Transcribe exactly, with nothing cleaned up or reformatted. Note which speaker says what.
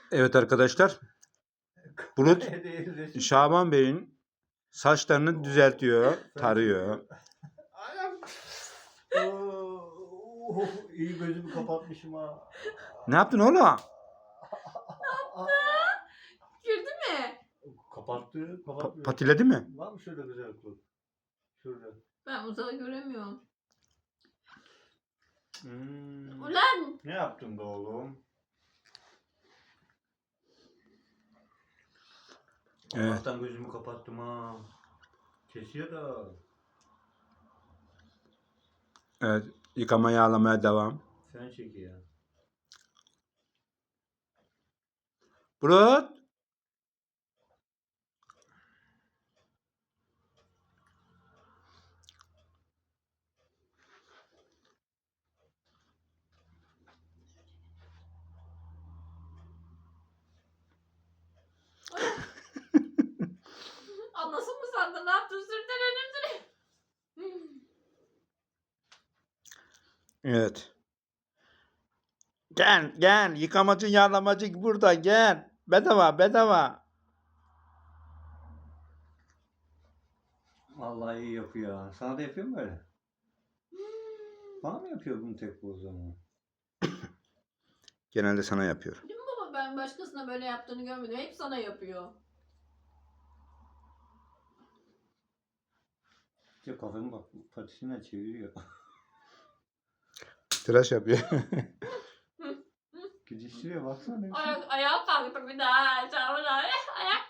Speaker 1: Evet arkadaşlar, Bulut Şaban Bey'in saçlarını düzeltiyor, tarıyor.
Speaker 2: Ayağım. Oo, iyi gözümü kapatmışım ha.
Speaker 1: Ne yaptın oğlum?
Speaker 3: Girdi mi?
Speaker 2: Kapattı,
Speaker 1: Pa-
Speaker 2: kapatmıyor.
Speaker 1: patiledi mi?
Speaker 2: Var mı şöyle güzel kul? Şurada.
Speaker 3: Ben uzağa göremiyorum.
Speaker 2: Hmm.
Speaker 3: Ulan!
Speaker 2: Ne yaptın be oğlum?
Speaker 1: Evet.
Speaker 2: Allah'tan gözümü kapattım ha. Kesiyor da.
Speaker 1: Evet, yıkama yağlamaya devam.
Speaker 2: Sen çekiyor.
Speaker 1: Bulut.
Speaker 3: Anlasın mı sandın? Ne yaptın? Sürtelenim sürtelenim.
Speaker 1: Evet. Gel gel, yıkamacı yağlamacı burada, gel. Bedava bedava.
Speaker 2: Vallahi iyi yapıyor ha. Sana da yapıyor mu öyle? Bana mı yapıyor bunu tek bu o zaman?
Speaker 1: Genelde sana yapıyor.
Speaker 3: Değil mi baba? Ben başkasına böyle yaptığını görmedim. Hep sana yapıyor.
Speaker 2: İşte kafamı bak patisine çeviriyor.
Speaker 1: Tıraş yapıyor.
Speaker 2: Gidiştiriyor baksana.
Speaker 3: Ayak, ayağa kalktı bir daha. Çağır ayağa. Ayak